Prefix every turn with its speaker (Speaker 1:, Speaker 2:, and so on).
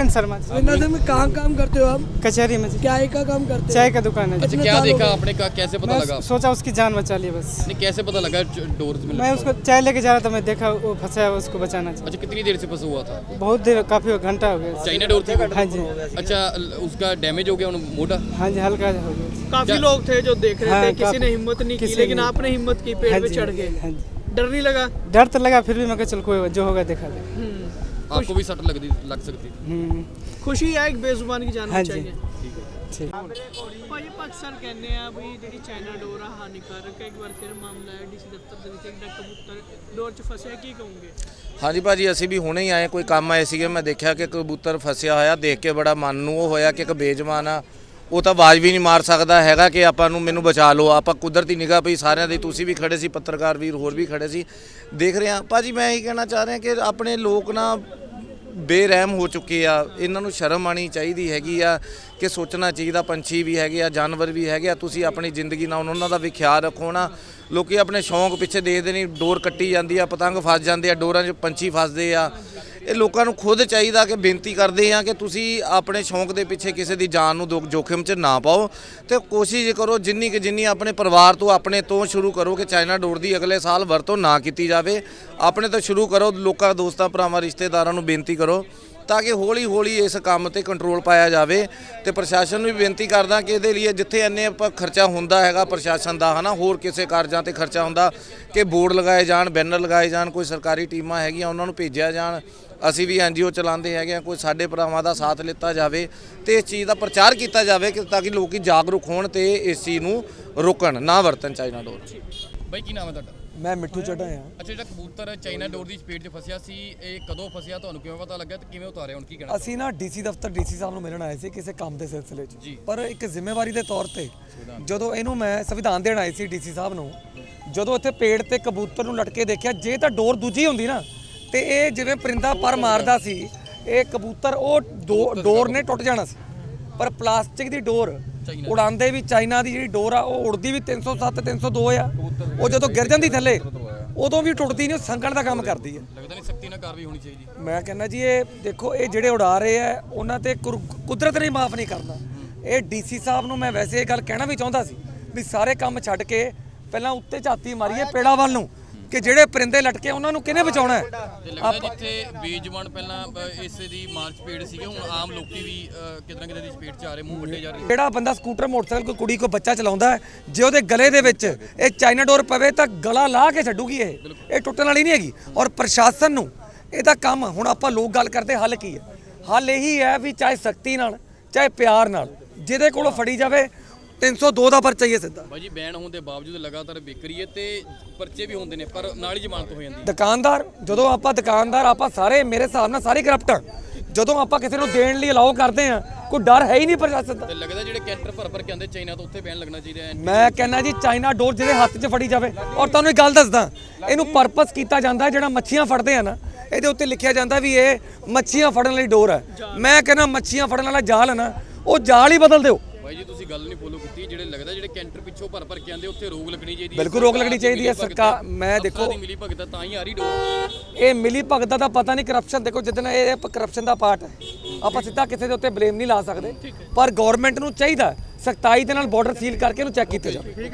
Speaker 1: अरविंद शर्मा।
Speaker 2: में कहाँ काम करते हो आप?
Speaker 1: कचहरी में।
Speaker 2: क्या का काम करते हो?
Speaker 1: चाय का दुकान है।
Speaker 3: अच्छा, क्या देखा आपने, का कैसे पता लगा?
Speaker 1: सोचा उसकी जान बचा ली बस।
Speaker 3: नहीं, कैसे पता लगा डोर में?
Speaker 1: मैं उसको चाय लेके जा रहा था, मैं देखा वो फंसा है, उसको बचाना चाहिए।
Speaker 3: अच्छा, कितनी देर से फंसा हुआ था?
Speaker 1: बहुत देर, काफी घंटा हो गया।
Speaker 3: चाइना डोर थी?
Speaker 1: हाँ जी।
Speaker 3: अच्छा, उसका डैमेज हो गया मोटा?
Speaker 1: हाँ जी, हल्का हो गया।
Speaker 4: काफी लोग थे जो देख रहे थे, किसी ने हिम्मत नहीं की, लेकिन
Speaker 1: ने।
Speaker 4: आपने हिम्मत की, पेड़ पे चढ़ गए।
Speaker 1: हाँ जी।
Speaker 4: डर नहीं लगा?
Speaker 1: डर तो लगा, फिर भी मैं कहा चल कोई जो होगा देखा जाए।
Speaker 3: आपको भी सट लग सकती?
Speaker 4: खुशी है एक बेजुबान की जान बचाई। ਭਾਈ ਆਪਾਂ ਅਕਸਰ ਕਹਿੰਦੇ ਆ ਵੀ ਜਿਹੜੀ ਚਾਈਨਾ ਡੋਰ ਆ ਹਾਨੀਕਾਰਕ ਹੈ। ਇੱਕ ਵਾਰ ਫਿਰ ਮਾਮਲਾ ਹੈ ਡੀਸੀ ਦਫ਼ਤਰ ਦੇ ਵਿੱਚ ਇੱਕ ਕਬੂਤਰ ਡੋਰ 'ਚ ਫਸਿਆ, ਕੀ ਕਹੋਗੇ?
Speaker 5: ਹਾਂਜੀ ਭਾਜੀ, ਅਸੀਂ ਵੀ ਹੁਣੇ ਹੀ ਆਏ, ਕੋਈ ਕੰਮ ਆਏ ਸੀਗੇ, ਮੈਂ ਦੇਖਿਆ ਕਿ ਕਬੂਤਰ ਫਸਿਆ ਹੋਇਆ, ਦੇਖ ਕੇ ਬੜਾ ਮਨ ਨੂੰ ਉਹ ਹੋਇਆ ਕਿ ਇੱਕ ਬੇਜਮਾਨ ਆ, ਉਹ ਤਾਂ ਆਵਾਜ਼ ਵੀ ਨਹੀਂ ਮਾਰ ਸਕਦਾ ਹੈਗਾ ਕਿ ਆਪਾਂ ਨੂੰ ਮੈਨੂੰ ਬਚਾ ਲਓ। ਆਪਾਂ ਕੁਦਰਤੀ ਨਿਗਾਹ ਪਈ ਸਾਰਿਆਂ ਦੀ, ਤੁਸੀਂ ਵੀ ਖੜੇ ਸੀ, ਪੱਤਰਕਾਰ ਵੀਰ ਹੋਰ ਵੀ ਖੜੇ ਸੀ, ਦੇਖ ਰਹੇ ਹਾਂ। ਭਾਜੀ ਮੈਂ ਇਹੀ ਕਹਿਣਾ ਚਾਹ ਰਿਹਾ ਕਿ ਆਪਣੇ ਲੋਕ ਨਾ ਬੇਰਹਿਮ ਹੋ ਚੁੱਕੇ ਆ, ਇਹਨਾਂ ਨੂੰ ਸ਼ਰਮ ਆਉਣੀ ਚਾਹੀਦੀ ਹੈਗੀ ਆ ਕਿ ਸੋਚਣਾ ਚਾਹੀਦਾ, ਪੰਛੀ ਵੀ ਹੈਗੇ ਆ, ਜਾਨਵਰ ਵੀ ਹੈਗੇ ਆ, ਤੁਸੀਂ ਆਪਣੀ ਜ਼ਿੰਦਗੀ ਨਾਲ ਉਹਨਾਂ ਦਾ ਵੀ ਖਿਆਲ ਰੱਖੋ ਨਾ। ਲੋਕੀ ਆਪਣੇ ਸ਼ੌਂਕ ਪਿੱਛੇ ਦੇਖਦੇ ਨਹੀਂ, ਡੋਰ ਕੱਟੀ ਜਾਂਦੀ ਆ, ਪਤੰਗ ਫਸ ਜਾਂਦੇ ਆ, ਡੋਰਾਂ 'ਚ ਪੰਛੀ ਫਸਦੇ ਆ। ਇਹ ਲੋਕਾਂ ਨੂੰ ਖੁਦ ਚਾਹੀਦਾ ਕਿ ਬੇਨਤੀ ਕਰਦੇ ਆ ਕਿ ਤੁਸੀਂ ਆਪਣੇ ਸ਼ੌਂਕ ਦੇ ਪਿੱਛੇ ਕਿਸੇ ਦੀ ਜਾਨ ਨੂੰ ਜੋਖਿਮ 'ਚ ਨਾ ਪਾਓ, ਤੇ ਕੋਸ਼ਿਸ਼ ਕਰੋ ਜਿੰਨੀ ਆਪਣੇ ਪਰਿਵਾਰ ਤੋਂ, ਆਪਣੇ ਤੋਂ ਸ਼ੁਰੂ ਕਰੋ ਕਿ ਚਾਈਨਾ ਡੋਰ ਦੀ ਅਗਲੇ ਸਾਲ ਵਰਤੋਂ ਨਾ ਕੀਤੀ ਜਾਵੇ। ਆਪਣੇ ਤੋਂ ਸ਼ੁਰੂ ਕਰੋ, ਲੋਕਾਂ, ਦੋਸਤਾਂ, ਭਰਾਵਾਂ, ਰਿਸ਼ਤੇਦਾਰਾਂ ਨੂੰ ਬੇਨਤੀ ਕਰੋ ਤਾਂ ਕਿ ਹੌਲੀ ਹੌਲੀ ਇਸ ਕੰਮ ਤੇ ਕੰਟਰੋਲ ਪਾਇਆ ਜਾਵੇ। ਤੇ ਪ੍ਰਸ਼ਾਸਨ ਨੂੰ ਵੀ ਬੇਨਤੀ ਕਰਦਾ ਕਿ ਇਹਦੇ ਲਈ ਜਿੱਥੇ ਇੰਨੇ ਖਰਚਾ ਹੁੰਦਾ ਹੈਗਾ ਪ੍ਰਸ਼ਾਸਨ ਦਾ, ਹੈ ਨਾ, ਹੋਰ ਕਿਸੇ ਕਾਰਜਾਂ ਤੇ ਖਰਚਾ ਹੁੰਦਾ, ਕਿ ਬੋਰਡ ਲਗਾਏ ਜਾਣ, ਬੈਨਰ ਲਗਾਏ ਜਾਣ, ਕੋਈ ਸਰਕਾਰੀ ਟੀਮਾਂ ਹੈਗੀਆਂ ਉਹਨਾਂ ਨੂੰ ਭੇਜਿਆ ਜਾਣ। ਅਸੀਂ ਵੀ NGO ਚਲਾਉਂਦੇ ਹੈਗੇ ਆ, ਕੋਈ ਸਾਡੇ ਭਰਾਵਾਂ ਦਾ ਸਾਥ ਲਿੱਤਾ ਜਾਵੇ ਤੇ ਇਸ ਚੀਜ਼ ਦਾ ਪ੍ਰਚਾਰ ਕੀਤਾ ਜਾਵੇ ਕਿ ਤਾਂ ਕਿ ਲੋਕੀ ਜਾਗਰੂਕ ਹੋਣ ਤੇ ਇਸ ਚੀਜ਼ ਨੂੰ ਰੋਕਣ, ਨਾ ਵਰਤਣ ਚਾਈਨਾ ਡੋਰ।
Speaker 3: ਬਾਈ ਕੀ ਨਾਮ ਹੈ ਤੁਹਾਡਾ?
Speaker 2: मैं मिट्ठू चढ़ा हाँ।
Speaker 3: ਅੱਛਾ, ਜਿਹੜਾ ਕਬੂਤਰ ਚਾਈਨਾ ਡੋਰ ਦੀ ਚਪੇਟ 'ਚ ਫਸਿਆ ਸੀ, ਇਹ ਕਦੋਂ ਫਸਿਆ, ਤੁਹਾਨੂੰ ਕਿਵੇਂ ਪਤਾ ਲੱਗਾ ਤੇ ਕਿਵੇਂ ਉਤਾਰਿਆ, ਹੁਣ ਕੀ ਕਹਿਣਾ?
Speaker 2: ਅਸੀਂ ਨਾ ਡੀਸੀ ਦਫ਼ਤਰ ਡੀਸੀ ਸਾਹਿਬ ਨੂੰ ਮਿਲਣ ਆਏ ਸੀ ਕਿਸੇ ਕੰਮ ਦੇ ਸਿਲਸਿਲੇ 'ਚ, ਪਰ ਇੱਕ ਜ਼ਿੰਮੇਵਾਰੀ ਦੇ ਤੌਰ ਤੇ ਜਦੋਂ ਇਹਨੂੰ ਮੈਂ ਸੰਵਿਧਾਨ ਦੇਣ ਆਈ ਸੀ ਡੀਸੀ ਸਾਹਿਬ ਨੂੰ, ਜਦੋਂ ਇੱਥੇ ਪੇੜ ਤੇ ਕਬੂਤਰ ਨੂੰ ਲਟਕੇ ਦੇਖਿਆ, ਜੇ ਤਾਂ ਡੋਰ ਦੂਜੀ ਹੁੰਦੀ ਨਾ ਤੇ ਇਹ ਜਿਵੇਂ ਪਰਿੰਦਾ ਪਰ ਮਾਰਦਾ ਸੀ, ਇਹ ਕਬੂਤਰ ਉਹ ਡੋਰ ਨੇ ਟੁੱਟ ਜਾਣਾ ਸੀ। ਪਰ ਪਲਾਸਟਿਕ ਦੀ ਡੋਰ ਉਡਾਉਂਦੇ ਵੀ, ਚਾਈਨਾ ਦੀ ਜਿਹੜੀ ਡੋਰ ਆ ਉਹ ਉੜਦੀ ਵੀ 307 302 ਆ, ਉਹ ਜਦੋਂ ਗਿਰ ਜਾਂਦੀ ਥੱਲੇ ਉਦੋਂ ਵੀ ਟੁੱਟਦੀ ਨਹੀਂ, ਉਹ ਸੰਗਣ ਦਾ ਕੰਮ ਕਰਦੀ ਹੈ।
Speaker 3: ਲੱਗਦਾ ਨਹੀਂ ਸਖਤੀ ਨਾਲ ਕਾਰਵਾਈ ਹੋਣੀ ਚਾਹੀਦੀ?
Speaker 2: ਮੈਂ ਕਹਿੰਦਾ ਜੀ, ਇਹ ਦੇਖੋ, ਇਹ ਜਿਹੜੇ ਉਡਾ ਰਹੇ ਆ ਉਹਨਾਂ ਤੇ ਕੁਦਰਤ ਨੇ ਮਾਫ ਨਹੀਂ ਕਰਨਾ। ਇਹ ਡੀਸੀ ਸਾਹਿਬ ਨੂੰ ਮੈਂ ਵੈਸੇ ਇਹ ਗੱਲ ਕਹਿਣਾ ਵੀ ਚਾਹੁੰਦਾ ਸੀ ਵੀ ਸਾਰੇ ਕੰਮ ਛੱਡ ਕੇ ਪਹਿਲਾਂ ਉੱਤੇ ਝਾਤੀ ਮਾਰੀਏ ਪੇੜਾਂ ਵੱਲ ਨੂੰ, ਕਿ ਜਿਹੜੇ ਪਰਿੰਦੇ ਲਟਕੇ ਉਹਨਾਂ ਨੂੰ ਕਿਹਨੇ ਬਚਾਉਣਾ ਹੈ।
Speaker 3: ਲੱਗਦਾ ਜਿੱਥੇ ਬੇਜਵਾਨ ਪਹਿਲਾਂ ਇਸ ਦੀ ਮਾਰਚ ਪੇੜ ਸੀਗੇ, ਹੁਣ ਆਮ ਲੋਕੀ ਵੀ ਕਿਤੇ ਨਾ ਕਿਤੇ ਦੀ ਸਪੀਡ 'ਚ ਆ ਰਹੇ, ਮੂੰਹ ਵੱਡੇ ਜਾ ਰਹੇ।
Speaker 2: ਜਿਹੜਾ ਬੰਦਾ ਸਕੂਟਰ, ਮੋਟਰਸਾਈਕਲ, ਕੋਈ ਕੁੜੀ, ਕੋਈ ਬੱਚਾ ਚਲਾਉਂਦਾ ਹੈ, ਜੇ ਉਹਦੇ ਗਲੇ ਦੇ ਵਿੱਚ ਇਹ ਚਾਈਨਾ ਡੋਰ ਪਵੇ ਤਾਂ ਗਲਾ ਲਾ ਕੇ ਛੱਡੂਗੀ, ਇਹ ਟੁੱਟਣ ਵਾਲੀ ਨਹੀਂ ਹੈਗੀ। ਔਰ ਪ੍ਰਸ਼ਾਸਨ ਨੂੰ ਇਹਦਾ ਕੰਮ, ਹੁਣ ਆਪਾਂ ਲੋਕ ਗੱਲ ਕਰਦੇ, ਹੱਲ ਕੀ ਹੈ? ਹੱਲ ਇਹੀ ਹੈ ਵੀ ਚਾਹੇ ਸਖਤੀ ਨਾਲ, ਚਾਹੇ ਪਿਆਰ ਨਾਲ, ਜਿਹਦੇ ਕੋਲੋਂ ਫੜੀ ਜਾਵੇ 302 ਦਾ ਪਰਚਾ ਹੀ ਹੈ ਸਿੱਧਾ।
Speaker 3: ਭਾਜੀ ਬੈਨ ਹੋਣ ਦੇ ਬਾਵਜੂਦ ਲਗਾਤਾਰ ਵਿਕਰੀ ਹੈ ਤੇ ਪਰਚੇ ਵੀ ਹੁੰਦੇ ਨੇ, ਪਰ ਨਾਲ ਹੀ ਜ਼ਮਾਨਤ ਹੋ ਜਾਂਦੀ।
Speaker 2: ਦੁਕਾਨਦਾਰ, ਜਦੋਂ ਆਪਾਂ ਦੁਕਾਨਦਾਰ, ਆਪਾਂ ਸਾਰੇ ਮੇਰੇ ਹਿਸਾਬ ਨਾਲ ਸਾਰੇ ਕਰਪਟ ਆ। ਜਦੋਂ ਆਪਾਂ ਕਿਸੇ ਨੂੰ ਦੇਣ ਲਈ ਅਲਾਓ ਕਰਦੇ ਆ, ਕੋਈ ਡਰ ਹੈ ਹੀ ਨਹੀਂ ਪ੍ਰਸ਼ਾਸਨ ਦਾ।
Speaker 3: ਤੇ ਲੱਗਦਾ ਜਿਹੜੇ ਕੈਂਟਰ ਭਰ ਕੇ ਆਉਂਦੇ ਚਾਈਨਾ ਤੋਂ, ਉੱਥੇ ਬੈਨ ਲੱਗਣਾ ਚਾਹੀਦਾ ਹੈ।
Speaker 2: ਮੈਂ ਕਹਿੰਦਾ ਜੀ, ਚਾਈਨਾ ਡੋਰ ਜਿਹਦੇ ਹੱਥ 'ਚ ਫੜੀ ਜਾਵੇ। ਔਰ ਤੁਹਾਨੂੰ ਇੱਕ ਗੱਲ ਦੱਸਦਾ, ਇਹਨੂੰ ਪਰਪਸ ਕੀਤਾ ਜਾਂਦਾ, ਜਿਹੜਾ ਮੱਛੀਆਂ ਫੜਦੇ ਆ ਨਾ, ਇਹਦੇ ਉੱਤੇ ਲਿਖਿਆ ਜਾਂਦਾ ਵੀ ਇਹ ਮੱਛੀਆਂ ਫੜਨ ਲਈ ਡੋਰ ਹੈ। ਮੈਂ ਕਹਿੰਦਾ ਮੱਛੀਆਂ ਫੜਨ ਵਾਲਾ ਜਾਲ ਹੈ ਨਾ, ਉਹ ਜਾਲ ਹੀ ਬਦਲ ਦਿਓ।
Speaker 3: ਭਾਈ ਜੀ ਤੁਸੀਂ ਗੱਲ ਨਹੀਂ ਫੋਲੋ ਕੀਤੀ, ਜਿਹੜੇ ਲੱਗਦਾ ਜਿਹੜੇ ਕੈਂਟਰ ਪਿੱਛੋਂ ਭਰ ਕੇ ਆਉਂਦੇ ਉੱਥੇ ਰੋਕ ਲੱਗਣੀ ਚਾਹੀਦੀ ਹੈ।
Speaker 2: ਬਿਲਕੁਲ ਰੋਕ ਲੱਗਣੀ ਚਾਹੀਦੀ ਹੈ। ਸਰਕਾਰ, ਮੈਂ ਦੇਖੋ,
Speaker 3: ਮਿਲੀ ਭਗਤ ਤਾਂ ਹੀ ਆ ਰਹੀ ਡੋਰ।
Speaker 2: ਇਹ ਮਿਲੀ ਭਗਤ ਦਾ ਪਤਾ ਨਹੀਂ, ਕਰਪਸ਼ਨ ਦੇਖੋ, ਜਿੱਦਣ ਇਹ ਕਰਪਸ਼ਨ ਦਾ ਪਾਰਟ ਹੈ, ਆਪਾਂ ਸਿੱਧਾ ਕਿਸੇ ਦੇ ਉੱਤੇ ਬਲੇਮ ਨਹੀਂ ਲਾ ਸਕਦੇ, ਪਰ ਗਵਰਨਮੈਂਟ ਨੂੰ ਚਾਹੀਦਾ ਸਖਤਾਈ ਦੇ ਨਾਲ ਬਾਰਡਰ ਸੀਲ ਕਰਕੇ ਇਹਨੂੰ ਚੈੱਕ ਕੀਤਾ ਜਾਵੇ।